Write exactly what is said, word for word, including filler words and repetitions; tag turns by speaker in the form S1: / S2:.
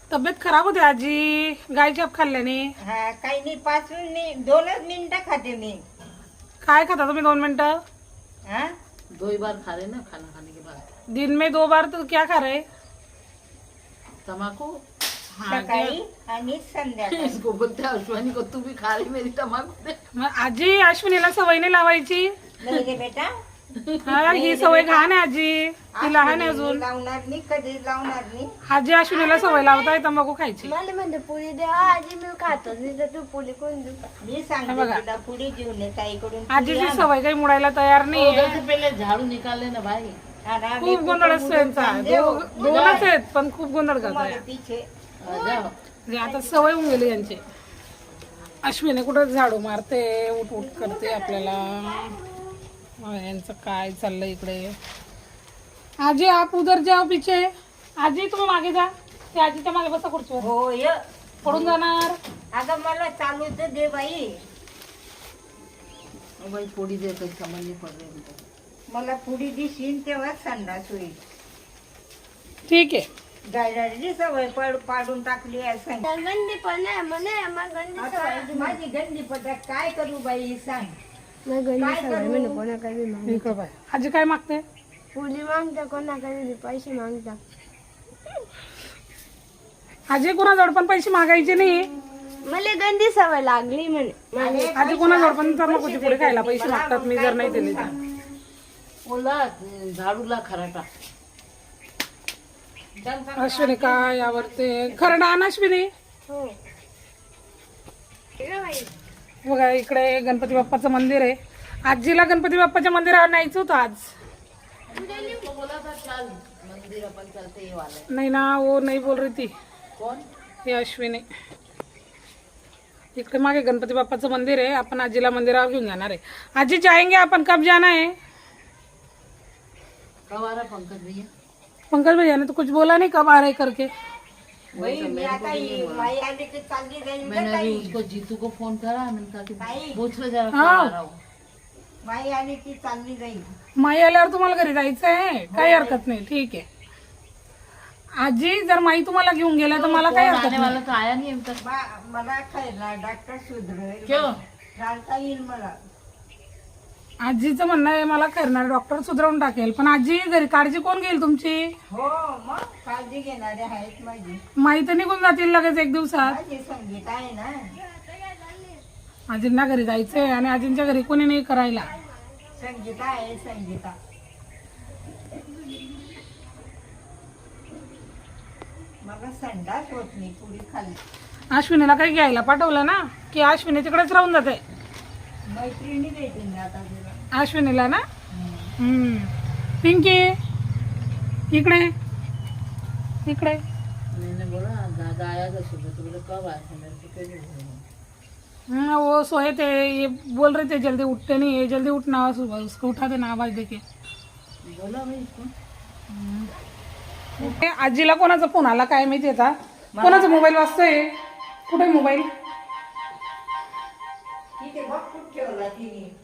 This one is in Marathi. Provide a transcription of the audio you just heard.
S1: तब्येत खराब होते आजी गाय चाप खाल्ल्याने.
S2: हा काही नाही, पाच मिनिट दोनच मिनिटं खाते मी.
S1: काय खाता तुम्ही दोन मिनटं?
S2: हाँ
S3: दो ही बार खा रहे ना खाना खाने के बाद.
S1: दिन में दो बार तो क्या खा रहे?
S3: तम्बाकू.
S2: सकाळी आणि संध्याकाळी.
S3: इसको बोलते हैं अश्वानी को, तू भी खा रही मेरी तम्बाकू.
S1: मग आजी अश्विनीला सवय नाही लावायची.
S2: नाही रे बेटा,
S1: हा ही सवय घाण आहे आजी, ती लहान आहे अजून.
S2: लावणार नाही, कधी लावणार नाही.
S1: आजी अश्विनीला सवय लावताय तंबाखू खायची.
S4: मला म्हणते पुरी द्या आजी, मी खातो नाही तर तू पुरी कोण देऊ?
S2: मी सांगते
S1: बघा.
S2: तुला पुढे घेऊन ये ताईकडून.
S1: आजीची सवय काही मुडायला तयार नाही.
S3: उधर से पहले झाड़ू निकाल लेना भाई.
S1: खूप गोंधळ असतो यांचा. दो- दोनच आहेत पण खूप गोंधळ करताय.
S2: तिचे
S3: आ जाओ.
S1: म्हणजे आता सवय होऊन गेली यांची. अश्विनी कुठं झाडू मारते, उठ उठ करते आपल्याला. हा, यांचं काय चाललंय इकडे. आजी आप उधर जाओ पीछे. आजी तुम्ही मागे जा, ते आजीच्या मागे बसा खुर्चीवर.
S2: हो य
S1: पडून जाणार.
S2: अगं मला चालू तर दे बाई.
S3: ओ भाई थोड़ी देर तक समझ नहीं पड़ रही है.
S2: मला पुढे दिशील तेव्हा संडास होईल.
S1: ठीक आहे.
S2: गायडाची सवय पड पाडून टाकली आहे सांग.
S4: गंदी पण आहे म्हणे, मग गंदी
S2: आता
S4: सवय.
S2: माझी गंदी पद्धत काय करू बाई सांग.
S4: मग गंदी
S2: काय
S4: सवय
S2: करू?
S4: म्हणे, कोणाकडे माग
S1: इकडं बाय. आजी काय मागते?
S4: पुरी मागता, कोणाकडे पैसे मागता.
S1: आजी कोणाजवळ पण पैसे मागायचे नाही.
S4: मला गंदी सवय लागली म्हणे.
S2: अरे
S1: आजी कोणाजवळ पण तंबाखूची पुढे खायला पैसे मागतात, मी जर नाही दिले तर.
S3: ओला झाड़ू ला खराटा.
S1: अश्विनी काय आवडते खरडा आण अश्विनी.
S4: हो. हे बाई,
S1: बघा इकडे गणपती बाप्पाचं मंदिर आहे. आजीला गणपती बाप्पाच्या मंदिरावर न्यायचं होतं आज.
S3: तो बोला था चल मंदिर अपन चलते ये वाले.
S1: नाही ना, वो नाही बोल रही थी.
S3: कौन?
S1: हे अश्विनी. इकडे मागे गणपती बाप्पाचं मंदिर आहे, आपण आजीला मंदिरावर घेऊन जाणार आहे. आजी जाएंगे आपण, कब जाना है?
S3: कब आ रहा पंकज भैया?
S1: पंकज भैया ने तो कुछ बोला नहीं कब आ रहे करके.
S2: बाई मी आता ही बाई आली की चालली जाईल का
S3: मैंने अभी
S2: ताई.
S3: उसको जीतू को फोन करा, मैंने कहा
S2: ताई.
S3: कि पूछ लो जरा कब
S1: हाँ.
S3: आ रहा हूँ.
S2: बाई आली की चालली जाईल.
S1: माई आल्यावर तुम्हाला घरी जायचं आहे, काही हरकत नाही. ठीक आहे आजी, जर माई तुम्हाला घेऊन गेल्या तर मला काही
S3: कौन
S1: हरकत
S3: आने
S1: नाही.
S3: वाला तो आया नहीं अभी तक.
S2: बा- मला खायला डॉक्टर सुधरेल.
S3: क्यों?
S2: चालता येईल मला.
S1: आजीचं म्हणणं आहे मला करणार डॉक्टर सुधरवून टाकेल, पण आजी घरी काळजी कोण घेईल तुमची?
S2: हो मग काळजी घेणारे आहेत माझी.
S1: माई तर निघून जातील लगेच एक दिवसात.
S2: माझी संगीत आहे ना.
S1: आजींना घरी जायचंय आणि आजींच्या घरी कोणी नाही करायला.
S2: संगीता आहे संगीता. मला संडास होत नाही पुढे खाली.
S1: अश्विनीला काही घ्यायला पाठवलं ना की अश्विनी तिकडेच राहून जाते.
S2: मैत्रिणी देतील ना आता तुला.
S1: अश्विनीला ना. हम्म. पिंकी इकडे इकडे.
S3: मैंने बोला दादा आया था सुबह, तो बोले कब आया था, मेरे को क्यों नहीं बोला.
S1: हम्म, वो सोए थे, ये बोल रहे थे जल्दी उठते नहीं है, जल्दी उठना सुबह, उसको उठा देना आवाज देके.
S3: बोला भाई इसको.
S1: ए, आजीला कोणाचा फोन आला काय माहिती आता. कोणाचा मोबाईल वाजतोय? कुठे मोबाईल?
S2: तिथे बघ कुठे ठेवला तिने.